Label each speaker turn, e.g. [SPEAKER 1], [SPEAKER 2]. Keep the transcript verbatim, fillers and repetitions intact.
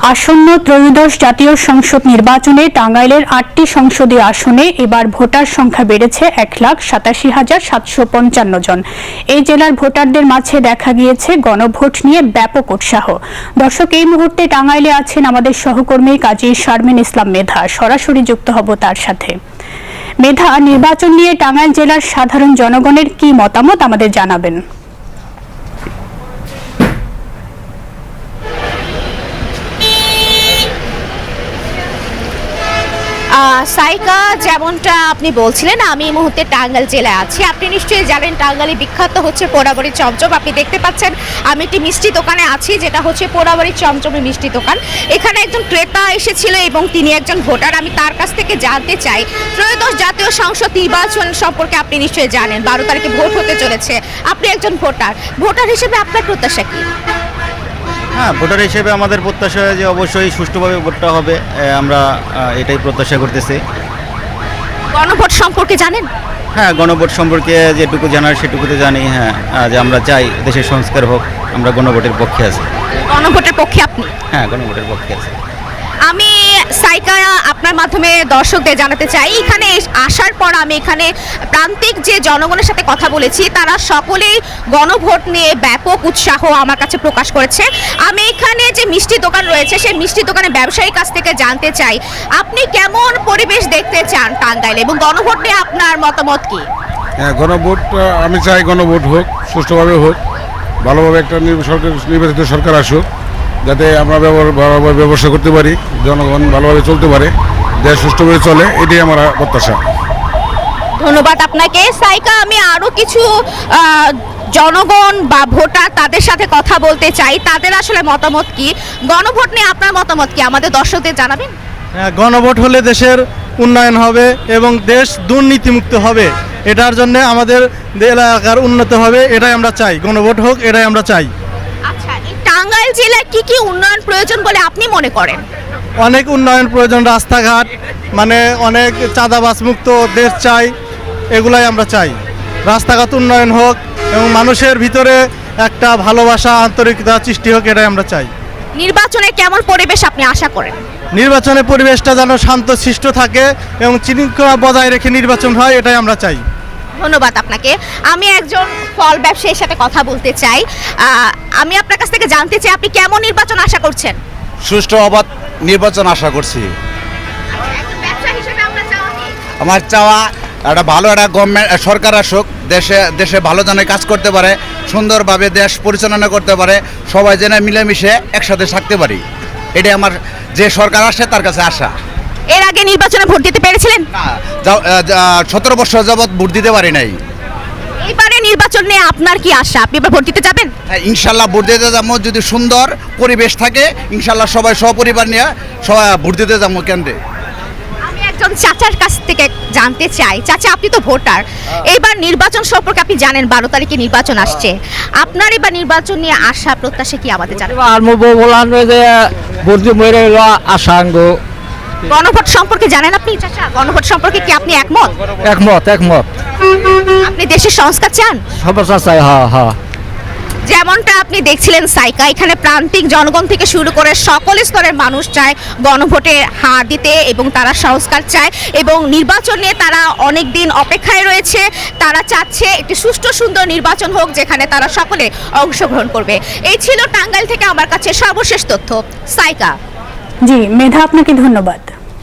[SPEAKER 1] আসন্ন ত্রয়োদশ জাতীয় সংসদ নির্বাচনে টাঙ্গাইলের আটটি সংসদীয় আসনে এবার ভোটার সংখ্যা বেড়েছে এক লাখ সাতাশি হাজার সাতশো পঞ্চান্ন জন। এই জেলার ভোটারদের মাঝে দেখা গিয়েছে গণভোট নিয়ে ব্যাপক উৎসাহ। দর্শক, এই মুহূর্তে টাঙ্গাইলে আছেন আমাদের সহকর্মী কাজী শারমিন ইসলাম মেধা। সরাসরি যুক্ত হব তার সাথে। মেধা, নির্বাচন নিয়ে টাঙ্গাইল জেলার সাধারণ জনগণের কি মতামত আমাদের জানাবেন।
[SPEAKER 2] সাইকা, যেমনটা আপনি বলছিলেন, আমি এই মুহূর্তে টাঙ্গাইল জেলায় আছি। আপনি নিশ্চয়ই জানেন টাঙ্গাইলে বিখ্যাত হচ্ছে পোড়াবাড়ির চমচম। আপনি দেখতে পাচ্ছেন আমি একটি মিষ্টি দোকানে আছি, যেটা হচ্ছে পোড়াবাড়ির চমচমের মিষ্টি দোকান। এখানে একজন ক্রেতা এসেছিল এবং তিনি একজন ভোটার। আমি তার কাছ থেকে জানতে চাই, ত্রয়োদশ জাতীয় সংসদ নির্বাচন সম্পর্কে আপনি নিশ্চয়ই জানেন, বারো তারিখে ভোট হতে চলেছে। আপনি একজন ভোটার, ভোটার হিসেবে আপনার প্রত্যাশা কি?
[SPEAKER 3] হ্যাঁ, ভোটার হিসেবে আমাদের প্রত্যাশা যে অবশ্যই সুষ্ঠুভাবে ভোটটা হবে, আমরা এটাই প্রত্যাশা করতেছি।
[SPEAKER 2] গণভোট সম্পর্কে জানেন?
[SPEAKER 3] হ্যাঁ, গণভোট সম্পর্কে যেটুকু জানার সেটুকুতে জানি। হ্যাঁ, যে আমরা চাই দেশের সংস্কার হোক, আমরা গণভোটের পক্ষে আছি।
[SPEAKER 2] গণভোটের পক্ষে আপনি?
[SPEAKER 3] হ্যাঁ, গণভোটের পক্ষে আছি।
[SPEAKER 2] আমি সাইকা আপনার মাধ্যমে দর্শকদের জানাতে চাই, এখানে আসার পর আমি এখানে প্রান্তিক যে জনগণের সাথে কথা বলেছি, তারা সকলেই গণভোট নিয়ে ব্যাপক উৎসাহ আমার কাছে প্রকাশ করেছে। আমি এখানে যে মিষ্টি দোকান রয়েছে, সেই মিষ্টি দোকানের ব্যবসায়ীর কাছ থেকে জানতে চাই, আপনি কেমন পরিবেশ দেখতে চান টাঙ্গাইলে এবং গণভোট নিয়ে আপনার মতামত কি?
[SPEAKER 4] হ্যাঁ, গণভোট আমি চাই গণভোট হোক, সুষ্ঠুভাবে হোক, ভালোভাবে একটা সরকার নির্বাচিত সরকার আসুক, যাতে আমরা ভালোভাবে ব্যবসা করতে পারি, জনগণ ভালোভাবে চলতে পারে, দেশ সুষ্ঠুভাবে চলে, এটাই আমার প্রত্যাশা।
[SPEAKER 2] ধন্যবাদ আপনাকে। সাইকা, আমি আরও কিছু জনগণ বা ভোটার তাদের সাথে কথা বলতে চাই, তাদের আসলে মতামত কি, গণভোট নিয়ে আপনার মতামত কি, আমাদের দর্শকদের জানাবেন।
[SPEAKER 5] হ্যাঁ, গণভোট হলে দেশের উন্নয়ন হবে এবং দেশ দুর্নীতিমুক্ত হবে। এটার জন্য আমাদের এলাকার উন্নত হবে, এটাই আমরা চাই। গণভোট হোক, এটাই আমরা চাই।
[SPEAKER 2] আচ্ছা, এই টাঙ্গাইল জেলায় কি কি উন্নয়ন প্রয়োজন বলে আপনি মনে করেন?
[SPEAKER 5] অনেক উন্নয়ন প্রয়োজন, রাস্তাঘাট, মানে অনেক চাঁদাবাজ মুক্ত দেশ চাই, এগুলাই আমরা চাই। রাস্তাঘাট উন্নয়ন হোক এবং মানুষের ভিতরে একটা ভালোবাসা, আন্তরিকতা সৃষ্টি হোক, এটাই আমরা চাই।
[SPEAKER 2] নির্বাচনে কেমন পরিবেশ আপনি আশা করেন?
[SPEAKER 5] নির্বাচনের পরিবেশটা যেন শান্তশিষ্ট থাকে এবং শৃঙ্খলা বজায় রেখে নির্বাচন হয়, এটাই আমরা চাই।
[SPEAKER 2] ধন্যবাদ আপনাকে। আমি একজন ফল ব্যবসায়ীর সাথে কথা বলতে চাই। আমি আপনার কাছ থেকে জানতে চাই, আপনি কেমন নির্বাচন আশা করছেন?
[SPEAKER 6] সুষ্ঠু অবাধ নির্বাচন আশা করছি। আমার চাওয়া একটা ভালো একটা গভর্নমেন্ট সরকার আসুক, দেশে দেশে ভালো জনে কাজ করতে পারে, সুন্দরভাবে দেশ পরিচালনা করতে পারে, সবাই যেন মিলেমিশে একসাথে থাকতে পারি, এটাই আমার, যে সরকার আসে তার কাছে আশা।
[SPEAKER 2] এর আগে নির্বাচনে ভোট দিতে পেরেছিলেন?
[SPEAKER 6] না, সতেরো বছর যাবৎ ভোট দিতে পারি নাই।
[SPEAKER 2] এবারে নির্বাচন নিয়ে আপনার কি আশা, আপনি এবার ভোট দিতে যাবেন?
[SPEAKER 6] হ্যাঁ, ইনশাল্লাহ ভোট দিতে যাবো, যদি সুন্দর পরিবেশ থাকে, ইনশাল্লাহ সবাই সপরিবার নিয়ে সবাই ভোট দিতে যাবো কেন্দ্রে।
[SPEAKER 2] আমি একজন চাচার কাছ থেকে জানতে চাই, চাচা আপনি তো ভোটার, এইবার নির্বাচন সম্পর্কে আপনি জানেন, বারো তারিখে নির্বাচন আসছে, আপনার এবার নির্বাচন নিয়ে আশা প্রত্যাশা কি আমাদের জানেন? গণভোট সম্পর্কে জানেন আপনি চাচা? গণভোট সম্পর্কে কি আপনি একমত?
[SPEAKER 7] একমত একমত
[SPEAKER 2] আপনি দেশের সংস্কার চান?
[SPEAKER 7] হ্যাঁ হ্যাঁ।
[SPEAKER 2] যেমনটা আপনি দেখছিলেন সাইকা, এখানে প্রান্তিক জনগণ থেকে শুরু করে সকল স্তরের মানুষ চায় গণভোটে হার দিতে এবং তারা সংস্কার চায় এবং নির্বাচন নিয়ে তারা অনেক দিন অপেক্ষায় রয়েছে। তারা চাচ্ছে একটি সুষ্ঠু সুন্দর নির্বাচন হোক, যেখানে তারা সকলে অংশগ্রহণ করবে। এই ছিল টাঙ্গাইল থেকে আমার কাছে সর্বশেষ তথ্য। সাইকা।
[SPEAKER 1] জি মেধা, আপনাকে ধন্যবাদ।